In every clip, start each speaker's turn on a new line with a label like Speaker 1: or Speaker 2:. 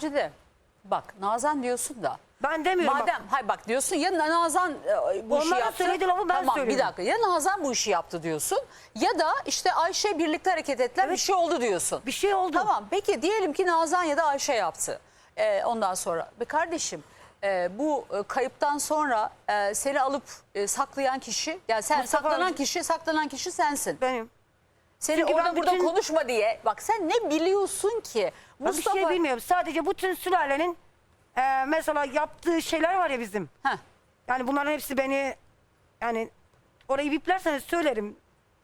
Speaker 1: Sacide bak Nazan diyorsun da.
Speaker 2: Ben demiyorum.
Speaker 1: Madem hayır bak diyorsun ya Nazan bu işi
Speaker 2: Onların
Speaker 1: yaptı.
Speaker 2: söylediği lafı ben
Speaker 1: tamam,
Speaker 2: söylüyorum.
Speaker 1: bir dakika ya Nazan bu işi yaptı diyorsun ya da işte Ayşe birlikte hareket ettiler bir şey oldu diyorsun.
Speaker 2: Bir şey oldu.
Speaker 1: Tamam peki diyelim ki Nazan ya da Ayşe yaptı. Ondan sonra be kardeşim bu kayıptan sonra seni alıp saklayan kişi yani sen
Speaker 2: Mustafa
Speaker 1: saklanan kişi sensin.
Speaker 2: Benim.
Speaker 1: Seni
Speaker 2: Çünkü
Speaker 1: orada
Speaker 2: ben
Speaker 1: burada
Speaker 2: bütün-
Speaker 1: konuşma diye bak sen ne biliyorsun ki?
Speaker 2: Ben bir şey bilmiyorum. Sadece bütün sülalenin mesela yaptığı şeyler var ya bizim.
Speaker 1: Heh.
Speaker 2: Yani bunların hepsi beni yani orayı biplerseniz söylerim.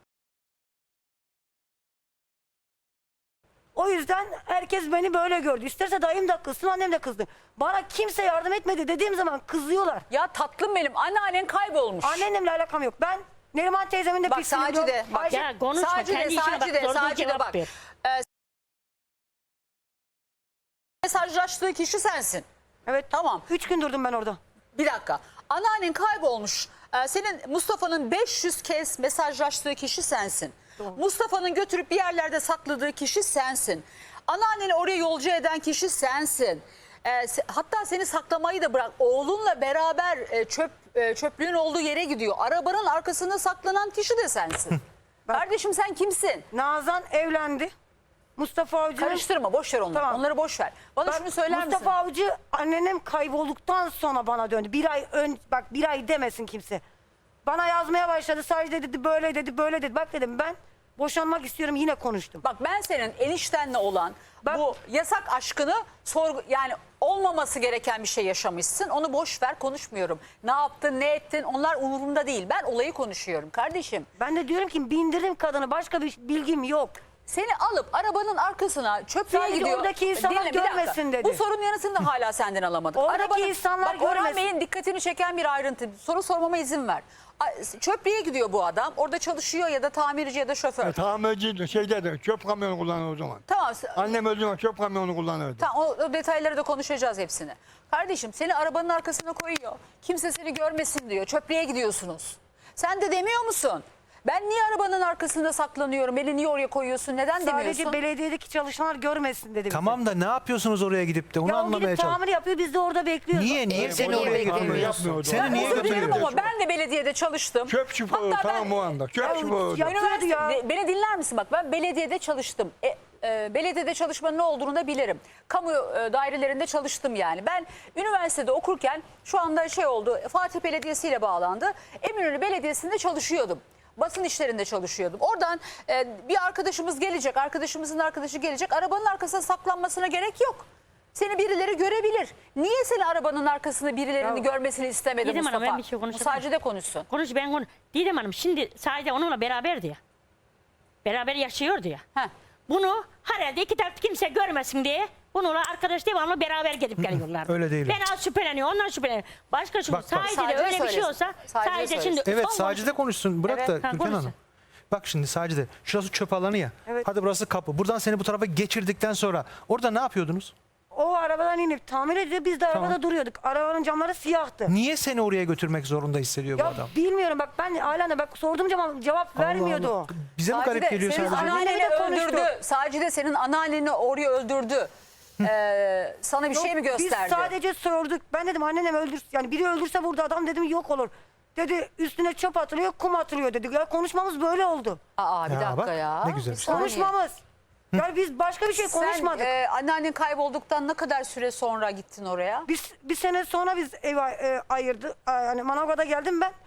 Speaker 2: O yüzden herkes beni böyle gördü. İsterse dayım da kızsın, annem de kızdı. Bana kimse yardım etmedi dediğim zaman kızıyorlar.
Speaker 1: Ya tatlım benim anneannen kaybolmuş.
Speaker 2: Annemle alakam yok. Ben Neriman teyzemin de
Speaker 1: Bak
Speaker 2: pisliğini
Speaker 1: Sacide
Speaker 2: biliyorum.
Speaker 1: bak.
Speaker 2: Ayşe-
Speaker 3: Ya konuşma.
Speaker 1: Sacide,
Speaker 3: Kendi işine bak.
Speaker 1: Sacide,
Speaker 3: Sorduğu
Speaker 1: Sacide
Speaker 3: cevap
Speaker 1: bak.
Speaker 3: ver.
Speaker 1: Mesajlaştığı kişi sensin.
Speaker 2: Evet.
Speaker 1: Tamam.
Speaker 2: 3 gün durdum ben orada.
Speaker 1: Bir dakika. Anneannen kaybolmuş. Senin Mustafa'nın 500 kez mesajlaştığı kişi sensin. Mustafa'nın götürüp bir yerlerde sakladığı kişi sensin. Anneanneni oraya yolcu eden kişi sensin. Hatta seni saklamayı da bırak. Oğlunla beraber çöplüğün olduğu yere gidiyor. Arabanın arkasında saklanan kişi de sensin. Kardeşim sen kimsin?
Speaker 2: Nazan evlendi. Mustafa Avcı'nın...
Speaker 1: Karıştırma boş ver onları.
Speaker 2: Tamam.
Speaker 1: Onları boş ver. Bana
Speaker 2: Bak,
Speaker 1: şunu söyler misin?
Speaker 2: Mustafa Avcı annenem kaybolduktan sonra bana döndü. Bir ay demesin kimse. Bana yazmaya başladı. Sadece dedi böyle dedi böyle dedi. Bak dedim ben boşanmak istiyorum yine konuştum.
Speaker 1: Bak ben senin eniştenle olan bu yasak aşkını yani olmaması gereken bir şey yaşamışsın. Onu boş ver konuşmuyorum. Ne yaptın ne ettin onlar umurumda değil. Ben olayı konuşuyorum kardeşim.
Speaker 2: Ben de diyorum ki bindirdim kadını başka bir bilgim yok.
Speaker 1: Seni alıp arabanın arkasına çöplüğe
Speaker 2: Sadece
Speaker 1: gidiyor.
Speaker 2: oradaki insanlar
Speaker 1: Dinle, bir dakika.
Speaker 2: görmesin dedi.
Speaker 1: Bu sorunun yanısını da hala senden alamadık.
Speaker 2: Oradaki insanlar
Speaker 1: bak, Orhan
Speaker 2: görmesin.
Speaker 1: Bey'in dikkatini çeken bir ayrıntı. Soru sormama izin ver. Çöplüğe gidiyor bu adam. Orada çalışıyor ya da tamirci ya da şoför.
Speaker 4: Tamirci şeyde de çöp kamyonu kullanır o zaman.
Speaker 1: Tamam.
Speaker 4: Annem öldüğü zaman çöp kamyonu kullanırdı.
Speaker 1: Tamam o detayları da konuşacağız hepsini. Kardeşim seni arabanın arkasına koyuyor. Kimse seni görmesin diyor. Çöplüğe gidiyorsunuz. Sen de demiyor musun? Ben niye arabanın arkasında saklanıyorum? Beni niye oraya koyuyorsun? Neden demiyorsun?
Speaker 2: Sadece belediyedeki çalışanlar görmesin dedi bize.
Speaker 5: Tamam da ne yapıyorsunuz oraya gidip de onu
Speaker 2: Ya o
Speaker 5: anlamaya
Speaker 2: gidip
Speaker 5: çalışıyorum.
Speaker 2: tamir yapıyor biz de orada bekliyoruz.
Speaker 5: Niye seni
Speaker 1: oraya
Speaker 5: oraya
Speaker 1: bekliyoruz.
Speaker 5: götürmüyorsun?
Speaker 4: Yapmıyordu.
Speaker 5: Seni niye
Speaker 1: Özür dilerim
Speaker 5: götürmüyorsun?
Speaker 1: ama ben de belediyede çalıştım.
Speaker 4: Çöp şoförü
Speaker 1: Hatta
Speaker 4: tamam o anda. Çöp şoförü.
Speaker 2: ya-
Speaker 1: Üniversite,
Speaker 2: ya.
Speaker 1: beni dinler misin bak ben belediyede çalıştım. Belediyede çalışmanın ne olduğunu da bilirim. Kamu dairelerinde çalıştım yani. Ben üniversitede okurken şu anda şey oldu Fatih Belediyesi ile bağlandı. Eminönü Belediyesi'nde çalışıyordum. Basın işlerinde çalışıyordum. Oradan bir arkadaşımız gelecek, arkadaşımızın arkadaşı gelecek. Arabanın arkasına saklanmasına gerek yok. Seni birileri görebilir. Niye seni arabanın arkasında birilerinin görmesini istemedi
Speaker 3: Didem
Speaker 1: Mustafa?
Speaker 3: Hanım, ben bir şey
Speaker 1: Bu
Speaker 3: konuşabilir
Speaker 1: sadece de konuşsun.
Speaker 3: Konuş ben konuş. Didem Hanım şimdi sadece onunla beraberdi ya. Beraber yaşıyordu ya.
Speaker 1: Heh.
Speaker 3: Bunu herhalde iki taraf kimse görmesin diye bununla arkadaş devamlı beraber gidip geliyorlar.
Speaker 5: Öyle değil.
Speaker 3: Ben az şüpheleniyor, ondan şüpheleniyor. Başka şu
Speaker 5: Bak,
Speaker 3: sadece de
Speaker 1: Sacide
Speaker 3: öyle bir şey
Speaker 1: söylesin.
Speaker 3: olsa
Speaker 1: Sacide
Speaker 3: sadece
Speaker 1: söylesin.
Speaker 3: şimdi
Speaker 5: Evet
Speaker 3: son
Speaker 5: Sacide konuşsun. Bırak
Speaker 1: Evet.
Speaker 5: da
Speaker 3: Ha,
Speaker 5: Gülten
Speaker 3: konuşsun.
Speaker 5: Hanım. Bak şimdi Sacide şurası çöp alanı ya.
Speaker 2: Evet.
Speaker 5: Hadi burası kapı. Buradan seni bu tarafa geçirdikten sonra orada ne yapıyordunuz?
Speaker 2: O arabadan inip tamir ediyor biz de arabada duruyorduk. Arabanın camları siyahtı.
Speaker 5: Niye seni oraya götürmek zorunda hissediyor bu
Speaker 2: Ya
Speaker 5: adam?
Speaker 2: bilmiyorum bak ben hala bak sorduğum zaman cevap vermiyordu
Speaker 5: Allah
Speaker 2: o.
Speaker 5: Allah. Bize mi
Speaker 1: Sacide,
Speaker 5: garip geliyor
Speaker 1: senin
Speaker 5: sadece?
Speaker 1: anneanneni
Speaker 2: Annemle de konuştuk.
Speaker 1: öldürdü. Sacide senin anneanneni oraya öldürdü. Sana bir şey mi gösterdi?
Speaker 2: Biz sadece sorduk. Ben dedim annenem öldür yani biri öldürse burada adam dedim yok olur. Dedi üstüne çöp atılıyor kum atılıyor dedi. Ya konuşmamız böyle oldu.
Speaker 1: Aa bir
Speaker 5: Ya
Speaker 1: dakika
Speaker 5: bak,
Speaker 1: ya.
Speaker 5: ne güzel
Speaker 1: Bir
Speaker 5: işte.
Speaker 1: saniye.
Speaker 2: Konuşmamız. Yani biz başka bir şey konuşmadık.
Speaker 1: Sen anneannen kaybolduktan ne kadar süre sonra gittin oraya?
Speaker 2: Bir sene sonra biz ev ayırdı. Yani Manavgat'a geldim ben.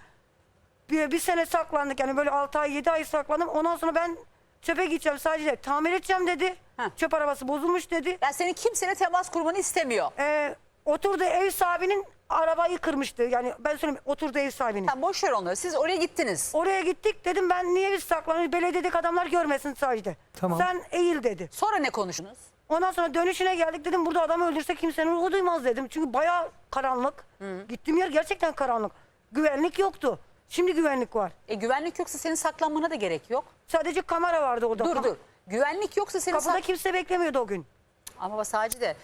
Speaker 2: Bir sene saklandık yani böyle 6 ay 7 ay saklandım. Ondan sonra ben çöpe gideceğim sadece tamir edeceğim dedi.
Speaker 1: Heh.
Speaker 2: Çöp arabası bozulmuş dedi.
Speaker 1: Yani senin kimseyle temas kurmanı istemiyor.
Speaker 2: Oturdu ev sahibinin arabayı kırmıştı. Yani ben söyleyeyim oturdu ev sahibinin.
Speaker 1: Sen boş ver onları. Siz oraya gittiniz.
Speaker 2: Oraya gittik dedim ben niye biz saklanıyoruz belediyedeki adamlar görmesin sadece.
Speaker 5: Tamam.
Speaker 2: Sen eğil dedi.
Speaker 1: Sonra ne konuştunuz?
Speaker 2: Ondan sonra dönüşüne geldik dedim burada adamı öldürse kimsenin ruhu duymaz dedim. Çünkü bayağı karanlık. Gittiğim yer gerçekten karanlık. Güvenlik yoktu. Şimdi güvenlik var.
Speaker 1: Güvenlik yoksa senin saklanmana da gerek yok.
Speaker 2: Sadece kamera vardı orada.
Speaker 1: Dur. Güvenlik yoksa senin
Speaker 2: Kapıda kimse beklemiyordu o gün.
Speaker 1: Ama bak Sacide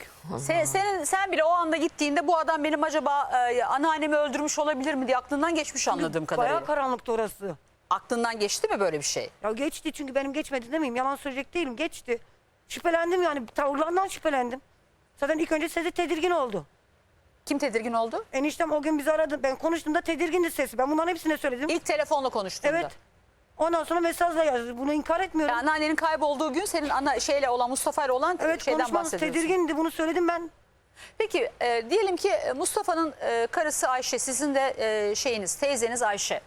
Speaker 1: sen bile o anda gittiğinde bu adam benim acaba anneannemi öldürmüş olabilir mi diye aklından geçmiş anladığım kadarıyla.
Speaker 2: Bayağı karanlıktı orası.
Speaker 1: Aklından geçti mi böyle bir şey?
Speaker 2: Ya geçti çünkü benim geçmedi demeyeyim. Yalan söyleyecek değilim. Geçti. Şüphelendim yani. Tavırlarından şüphelendim. Zaten ilk önce sesi tedirgin oldu.
Speaker 1: Kim tedirgin oldu?
Speaker 2: Eniştem o gün bizi aradı. Ben konuştuğumda tedirgindi sesi. Ben bunların hepsine söyledim.
Speaker 1: İlk telefonla konuştuğunda.
Speaker 2: Evet. Ondan sonra mesajla yazdı. Bunu inkar etmiyorum.
Speaker 1: Yani anneannenin kaybolduğu gün senin şeyle olan Mustafa ile olan
Speaker 2: Evet,
Speaker 1: şeyden
Speaker 2: konuşmamız
Speaker 1: bahsediyorsun.
Speaker 2: tedirgindi. Bunu söyledim ben.
Speaker 1: Peki diyelim ki Mustafa'nın karısı Ayşe, sizin de teyzeniz Ayşe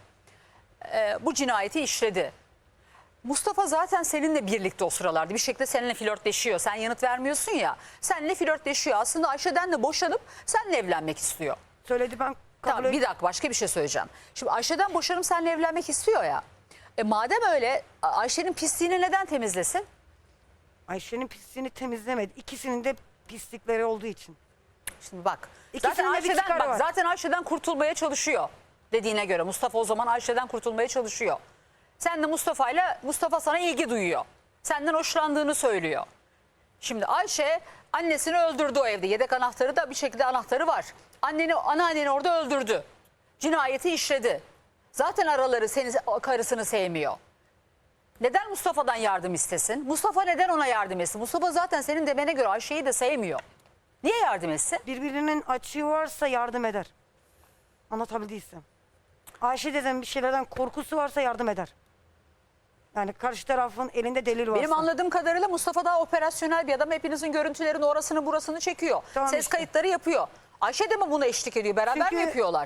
Speaker 1: bu cinayeti işledi. Mustafa zaten seninle birlikte o sıralarda bir şekilde seninle flörtleşiyor. Sen yanıt vermiyorsun ya. Seninle flörtleşiyor. Aslında Ayşe'den de boşanıp seninle evlenmek istiyor.
Speaker 2: Söyledi ben kabul
Speaker 1: Tamam, bir dakika, başka bir şey söyleyeceğim. Şimdi Ayşe'den boşanıp seninle evlenmek istiyor ya. Madem öyle, Ayşe'nin pisliğini neden temizlesin?
Speaker 2: Ayşe'nin pisliğini temizlemedi. İkisinin de pislikleri olduğu için.
Speaker 1: Şimdi bak.
Speaker 2: İkisinin de bir çıkarı var.
Speaker 1: Zaten Ayşe'den kurtulmaya çalışıyor. Dediğine göre Mustafa o zaman Ayşe'den kurtulmaya çalışıyor. Sen de Mustafa sana ilgi duyuyor. Senden hoşlandığını söylüyor. Şimdi Ayşe annesini öldürdü o evde. Yedek anahtarı da bir şekilde anahtarı var. Anneanneni orada öldürdü. Cinayeti işledi. Zaten araları karısını sevmiyor. Neden Mustafa'dan yardım istesin? Mustafa neden ona yardım etsin? Mustafa zaten senin demene göre Ayşe'yi de sevmiyor. Niye yardım etsin?
Speaker 2: Birbirinin açığı varsa yardım eder. Anlatabildiysem. Ayşe dedem bir şeylerden korkusu varsa yardım eder. Yani karşı tarafın elinde delil varsa.
Speaker 1: Benim anladığım kadarıyla Mustafa daha operasyonel bir adam. Hepinizin görüntülerini orasını burasını çekiyor.
Speaker 2: Tamam
Speaker 1: Ses
Speaker 2: işte.
Speaker 1: kayıtları yapıyor. Ayşe de mi buna eşlik ediyor? Beraber
Speaker 2: Çünkü-
Speaker 1: mi yapıyorlar?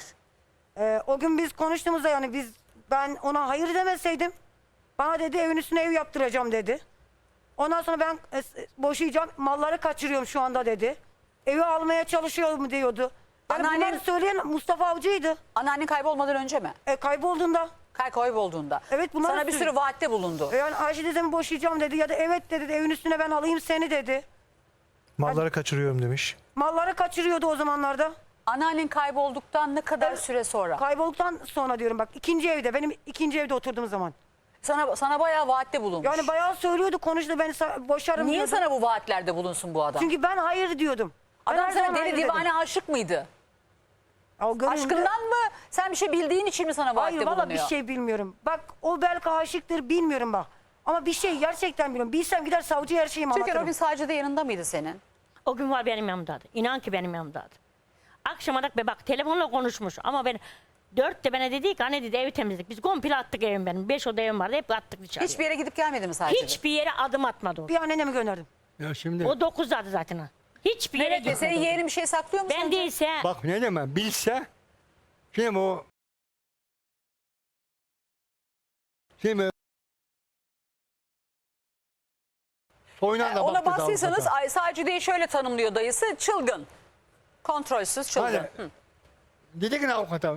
Speaker 2: O gün biz konuştuğumuzda yani ben ona hayır demeseydim bana dedi evin üstüne ev yaptıracağım dedi. Ondan sonra ben boşayacağım, malları kaçırıyorum şu anda dedi. Evi almaya çalışıyorum diyordu. Yani
Speaker 1: Anneannen-
Speaker 2: bunları söyleyen Mustafa Avcı'ydı.
Speaker 1: Anneannen kaybolmadan önce mi?
Speaker 2: Kaybolduğunda.
Speaker 1: Kaybolduğunda.
Speaker 2: Evet, bunlar
Speaker 1: Sana bir sürü vaatte bulundu.
Speaker 2: Yani Ayşe dedemi boşayacağım dedi ya da evet dedi, evin üstüne ben alayım seni dedi.
Speaker 5: Malları kaçırıyorum demiş.
Speaker 2: Malları kaçırıyordu o zamanlarda.
Speaker 1: Anneannen kaybolduktan ne kadar süre sonra?
Speaker 2: Kaybolduktan sonra diyorum bak, ikinci evde, benim ikinci evde oturduğum zaman.
Speaker 1: Sana bayağı vaatte bulunmuş.
Speaker 2: Yani bayağı söylüyordu, konuştu, beni boşarım
Speaker 1: Niye
Speaker 2: diyordu.
Speaker 1: sana bu vaatlerde bulunsun bu adam?
Speaker 2: Çünkü ben hayır diyordum. Ben
Speaker 1: Adam
Speaker 2: her
Speaker 1: sana
Speaker 2: zaman
Speaker 1: deli
Speaker 2: hayır dedim.
Speaker 1: divane aşık mıydı?
Speaker 2: O gönlümde-
Speaker 1: Aşkından mı? Sen bir şey bildiğin için mi sana vaatte
Speaker 2: Hayır valla
Speaker 1: bulunuyor?
Speaker 2: bir şey bilmiyorum. Bak o belki aşıktır, bilmiyorum bak. Ama bir şey gerçekten bilmiyorum. Bilsem gider savcıya her şeyimi
Speaker 1: Türkan o
Speaker 2: anlatırım.
Speaker 1: gün sadece de yanında mıydı senin?
Speaker 3: O gün var benim yanımdaydı. İnan ki benim yanımdaydı. Akşama da bak telefonla konuşmuş ama ben 4'te bana dedi ki anne dedi evi temizledik. Biz komple attık evim benim. 5 oda evim vardı hep attık dışarıya.
Speaker 1: Hiçbir yere gidip gelmedi mi sadece?
Speaker 3: Hiçbir yere adım atmadı o.
Speaker 2: Bir anneme gönderdim.
Speaker 4: Ya şimdi
Speaker 3: O 9'daydı zaten ha. Hiçbir yere
Speaker 1: Evet,
Speaker 3: gitmedi.
Speaker 1: senin yeğenin bir şey saklıyor mu
Speaker 3: Ben
Speaker 1: sence?
Speaker 3: değilse
Speaker 4: bak ne demem bilse şimdi soyuna da
Speaker 1: Ona
Speaker 4: baktı
Speaker 1: baktıysanız
Speaker 4: davukata.
Speaker 1: Sacide'yi şöyle tanımlıyor dayısı. Çılgın. Kontrolsüz çılgın.
Speaker 4: Hani-
Speaker 1: Hı.
Speaker 4: Dedi ki avukata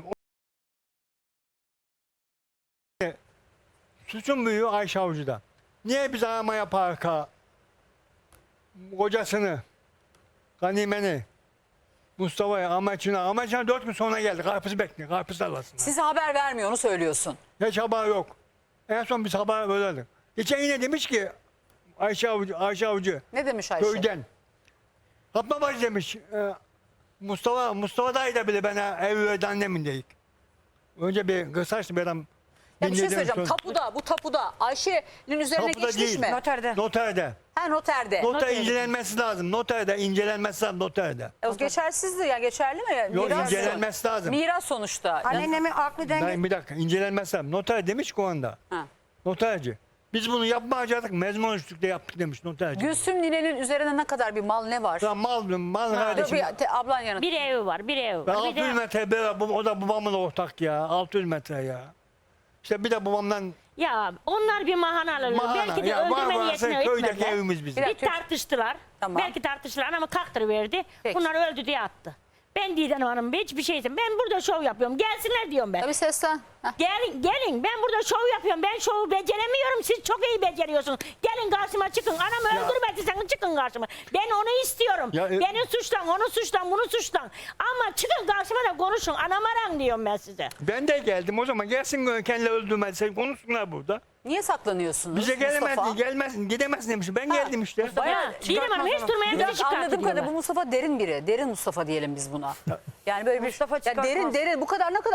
Speaker 4: suçun büyüğü Ayşe Avcı'da. Niye biz arama yaparka kocasını, Ganime'ni, Mustafa'yı, Amaç'ına 4 gün sonra geldi. Karpuz bekliyor. Karpuz tarlasında.
Speaker 1: Size haber vermiyor onu söylüyorsun.
Speaker 4: Hiç haber yok. En son biz haber verelim. Geçen yine demiş ki Ayşe Avcı
Speaker 1: Ne demiş Ayşe?
Speaker 4: köyden. Kapma bacı demiş. Mustafa dayı da bile bana ev verdi annemin deyik. Önce bir kısaçtı bir adam.
Speaker 1: Ya bir şey
Speaker 4: dinledi,
Speaker 1: söyleyeceğim.
Speaker 4: sonra-
Speaker 1: Bu tapuda Ayşe'nin üzerine
Speaker 4: Tapuda
Speaker 1: geçmiş
Speaker 4: değil.
Speaker 1: mi?
Speaker 2: Noterde.
Speaker 4: Noterde.
Speaker 1: Ha, noterde.
Speaker 4: Noter incelenmesi lazım. Noterde incelenmesi lazım noterde.
Speaker 1: O geçersizdi ya, geçerli mi?
Speaker 4: Yok
Speaker 1: Miras-
Speaker 4: incelenmesi lazım.
Speaker 1: Miras sonuçta.
Speaker 2: Annemi aklı denge...
Speaker 4: Ben bir dakika incelenmesi lazım. Noter demiş ki o anda.
Speaker 1: Ha.
Speaker 4: Noterci. Biz bunu yapmayacaktık. Mezmun üstlükte yaptık demiş noterci.
Speaker 1: Gülsüm ninenin üzerine ne kadar bir mal ne var?
Speaker 4: Ya mal
Speaker 1: Dur,
Speaker 4: kardeşim.
Speaker 1: ablan yanıt.
Speaker 3: bir evi var, bir evi
Speaker 4: Ya
Speaker 3: var. Bir
Speaker 4: 600
Speaker 3: de,
Speaker 4: metre o da babamın ortak ya. 600 metre ya. İşte bir de babamdan
Speaker 3: ya onlar bir mahana alırlar. Belki de
Speaker 4: ya var
Speaker 3: öldürme
Speaker 4: varsa
Speaker 3: niyetine
Speaker 4: köydeki
Speaker 3: etmediler.
Speaker 4: evimiz bizim.
Speaker 1: Bir
Speaker 3: Bir
Speaker 1: dakika.
Speaker 3: tartıştılar.
Speaker 1: Tamam.
Speaker 3: Belki tartıştılar ama kaktırıverdi.
Speaker 1: Peki.
Speaker 3: Bunlar öldü diye attı. Ben Didem Hanım hiçbir şeysin. Ben burada şov yapıyorum. Gelsinler diyorum ben.
Speaker 1: Tabii seslen. Heh.
Speaker 3: Gelin ben burada şov yapıyorum. Ben şovu beceremiyorum. Siz çok iyi beceriyorsunuz. Gelin karşıma çıkın. Anamı öldürmediyseniz çıkın karşıma. Ben onu istiyorum.
Speaker 4: Ya,
Speaker 3: Beni suçlan, onu suçlan, bunu suçlan. Ama çıkın karşıma da konuşun. Anam aran diyorum ben size.
Speaker 4: Ben de geldim o zaman gelsin kendileri öldürmezse konuşsunlar burada.
Speaker 1: Niye saklanıyorsunuz?
Speaker 4: Bize
Speaker 1: Mustafa?
Speaker 4: gelmezsin gidemezsin demiş. Ben geldim işte.
Speaker 1: Bayağı
Speaker 3: Didem Hanım hiç durmaya
Speaker 1: Bir
Speaker 3: bizi
Speaker 1: dakika, anladığım kadarıyla bu
Speaker 3: çıkartıyorlar.
Speaker 1: Mustafa derin biri. Derin Mustafa diyelim biz buna. Yani böyle bir
Speaker 2: Mustafa
Speaker 1: ya
Speaker 2: çıkartmaz.
Speaker 1: derin bu kadar ne kadar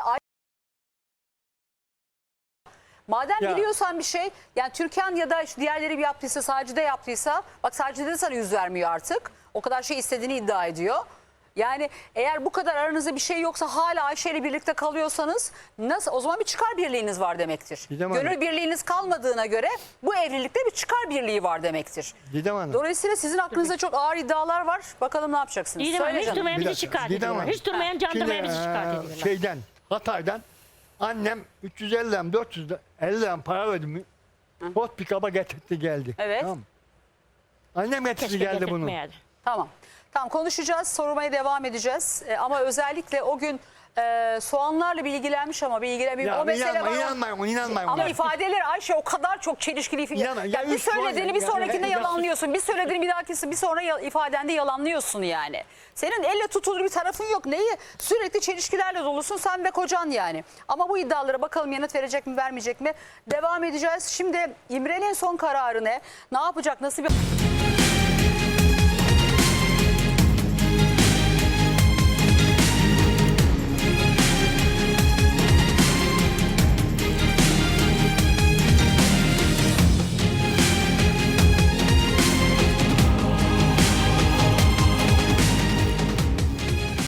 Speaker 1: madem
Speaker 4: Ya.
Speaker 1: biliyorsan bir şey, yani Türkan ya da işte diğerleri yaptıysa, Sacide yaptıysa, bak Sacide de sana yüz vermiyor artık. O kadar şey istediğini iddia ediyor. Yani eğer bu kadar aranızda bir şey yoksa hala Ayşe ile birlikte kalıyorsanız nasıl, o zaman bir çıkar birliğiniz var demektir.
Speaker 4: Didem Hanım.
Speaker 1: Gönül birliğiniz kalmadığına göre bu evlilikte bir çıkar birliği var demektir.
Speaker 4: Didem Hanım.
Speaker 1: Dolayısıyla sizin aklınızda çok ağır iddialar var. Bakalım ne yapacaksınız?
Speaker 3: Didem Hanım
Speaker 1: Söyle
Speaker 3: hiç
Speaker 1: canım.
Speaker 3: durmayan
Speaker 4: Bir
Speaker 3: bizi
Speaker 4: dakika,
Speaker 3: çıkart
Speaker 4: Didem
Speaker 3: ediyorlar.
Speaker 4: Hanım.
Speaker 3: Hiç durmayan can durmayan bizi çıkart
Speaker 4: Şimdi,
Speaker 3: ediyorlar.
Speaker 4: şeyden, Hatay'dan annem 350 lira 450 lira para verdi mi? Ford pick-up'a getirdi geldi.
Speaker 1: Evet.
Speaker 4: Tamam. Annem getirdi
Speaker 3: Keşke
Speaker 4: geldi bunu.
Speaker 3: getirtmeyeydi.
Speaker 1: Tamam. Tamam, konuşacağız, sormaya devam edeceğiz. Ama özellikle o gün soğanlarla bilgilenmiş ama bilgilenmiyor.
Speaker 4: Ya
Speaker 1: O mesele var.
Speaker 4: inanmayın.
Speaker 1: Ama ifadeler Ayşe o kadar çok çelişkili.
Speaker 4: İnanın, ya
Speaker 1: Ya bir
Speaker 4: üç var
Speaker 1: söylediğini
Speaker 4: ya,
Speaker 1: bir
Speaker 4: ya,
Speaker 1: sonrakinde
Speaker 4: ya,
Speaker 1: yalanlıyorsun. Bir söylediğini bir dahakisi bir sonra ifadende yalanlıyorsun yani. Senin elle tutulur bir tarafın yok. Neyi? Sürekli çelişkilerle dolusun sen ve kocan yani. Ama bu iddialara bakalım yanıt verecek mi vermeyecek mi? Devam edeceğiz. Şimdi İmre'nin son kararı ne? Ne yapacak? Nasıl bir...